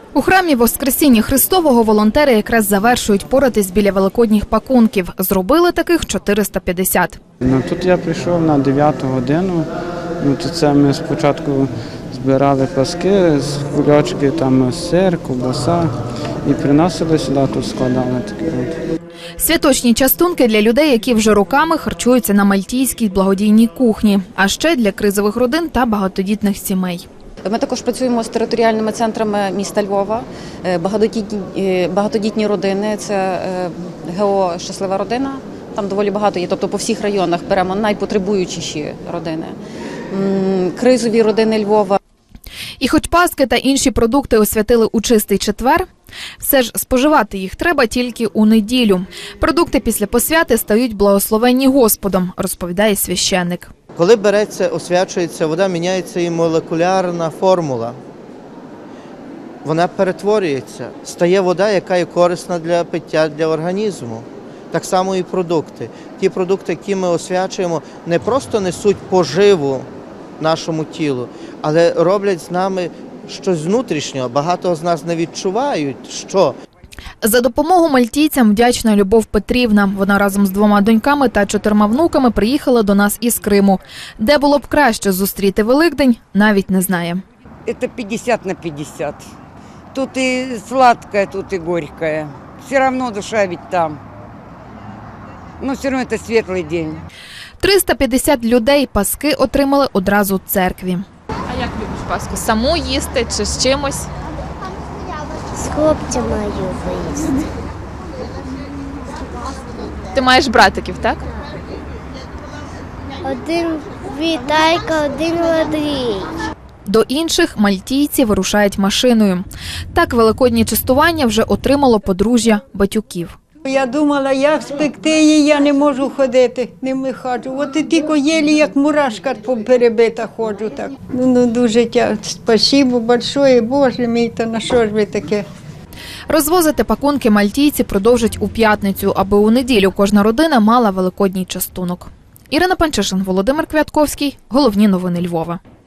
У храмі Воскресіння Христового волонтери якраз завершують поратись біля великодніх пакунків. Зробили таких 450. Тут я прийшов на 9 годину. Тут це ми спочатку збирали паски, кульочки, там сир, ковбаса і приносили сюди, тут складали такі. Святочні частунки для людей, які вже роками харчуються на мальтійській благодійній кухні, а ще для кризових родин та багатодітних сімей. Ми також працюємо з територіальними центрами міста Львова, багатодітні родини, це ГО «Щаслива родина», там доволі багато є, тобто по всіх районах беремо найпотребуючіші родини, кризові родини Львова. І хоч паски та інші продукти освятили у Чистий четвер, все ж споживати їх треба тільки у неділю. Продукти після посвяти стають благословенні Господом, розповідає священник. Коли береться, освячується вода, міняється і молекулярна формула. Вона перетворюється, стає вода, яка є корисна для пиття, для організму. Так само і продукти. Ті продукти, які ми освячуємо, не просто несуть поживу нашому тілу, але роблять з нами щось внутрішнього. Багато з нас не відчувають, що. За допомогу мальтійцям вдячна Любов Петрівна. Вона разом з 2 доньками та 4 внуками приїхала до нас із Криму. Де було б краще зустріти Великдень, навіть не знає. Это 50/50. Тут и сладкое, тут и горькое. Все равно душа ведь там. Но все равно это светлый день. 350 людей паски отримали одразу в церкві. А як любиш паску? Саму їсти чи з чимось? З хлопцями поїсти. Ти маєш братиків, так? Один Віталька, один Андрій. До інших мальтійці вирушають машиною. Так великодні частування вже отримало подружжя Батюків. Я думала, як спекти її, я не можу ходити, не ходжу. От і тільки єлі, як мурашка перебита ходжу так. Дуже спасибо большое, Боже мій, та на що ж ви таке? Розвозити пакунки мальтійці продовжать у п'ятницю, аби у неділю кожна родина мала великодній частунок. Ірина Панчишин, Володимир Квятковський. Головні новини Львова.